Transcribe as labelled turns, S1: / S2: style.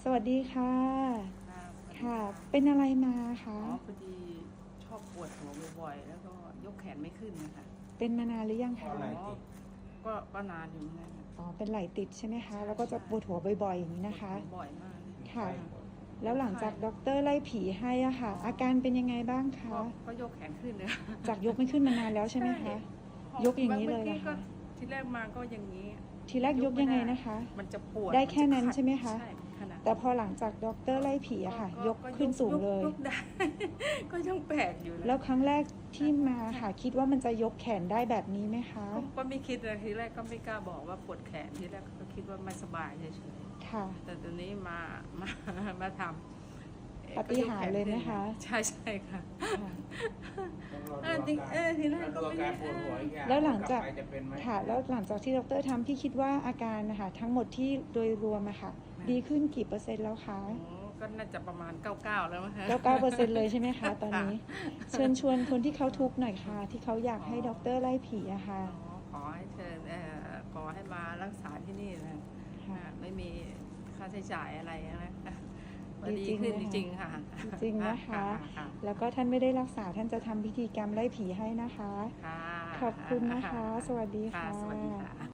S1: สวัสดีค่ะ ค่ะ เป็นอะไรมาคะ
S2: พอดีชอบปวดหัวบ่อยๆแล้วก็ยกแขนไม่ขึ้นนะคะ
S1: เป็นมานานหรือยังคะ
S2: ก็นานอยู่เหมือนกัน
S1: อ๋อ เป็นไหล่ติดใช่ไหมคะ แล้วก็จะปวดหัวบ่อยๆอย่างนี้นะคะ
S2: บ่อยมาก
S1: ค่ะ แล้วหลังจากด็อกเตอร์ไล่ผีให้อะค่ะ อาการเป็นยังไงบ้างคะ
S2: ก็ยกแขนขึ้นเลย
S1: จากยกไม่ขึ้นมานานแล้วใช่ไหมคะ ยกอย่างนี้เลยเหรอคะ
S2: ทีแรกมาก็อย่างนี้
S1: ทีแรกยกยังไงนะคะ
S2: มันจะปวด
S1: ได้แค่นั้นใช่ไหมคะ
S2: ใช่ขนาด
S1: แต่พอหลังจากด็อกเตอร์ไล่ผีอะค่ะ ยกขึ้นสูงเลย
S2: ยกได้ ก็ยังแปลกอยู่
S1: แล้วครั้งแรกที่มาค่ะ คิดว่ามันจะยกแขนได้แบบนี้ไหมคะ
S2: ก็ไม่คิดนะทีแรกก็ไม่กล้าบอกว่าปวดแขนทีแรกก็คิดว่าไม่สบายเฉยๆ
S1: ค่ะ
S2: แต่ตอนนี้มาทำ
S1: ปาฏิหาริย์เลยไหมคะ
S2: ใช่ค่ะ
S3: จริง
S2: ทีแรกก็ไม่ได้
S1: แล้วหลังจาก
S3: ไปจะเป็นไหม
S1: ค่ะ แล้วหลังจากที่ดรทำพี่คิดว่าอาการนะคะทั้งหมดที่โดยรวมอะค่ะ ดีขึ้นกี่เปอร์เซ็นต์แล้วคะ
S2: ก็น่าจะประมาณ99แล้วมั้งคะ
S1: 99%เลยใช่ไหมคะตอนนี้ เชิญชวนคนที่เขาทุกข์หน่อยค่ะ ที่เขาอยากให้ดรไล่ผีอะค่ะ
S2: ขอให้เชิญขอให้มารักษาที่นี่นะ
S1: ค่ะ
S2: ไม่มีค่าใช้จ่ายอะไรนะ
S1: ดีจริง
S2: ขึ้น
S1: นะคะ
S2: จริงๆค่ะ
S1: จริงนะคะ แล้วก็ท่านไม่ได้รักษาท่านจะทำพิธีกรรมไล่ผีให้นะคะ
S2: ค่ะ
S1: ขอบคุณนะคะ สวัสดีค่ะ
S2: สวัสดีค่ะ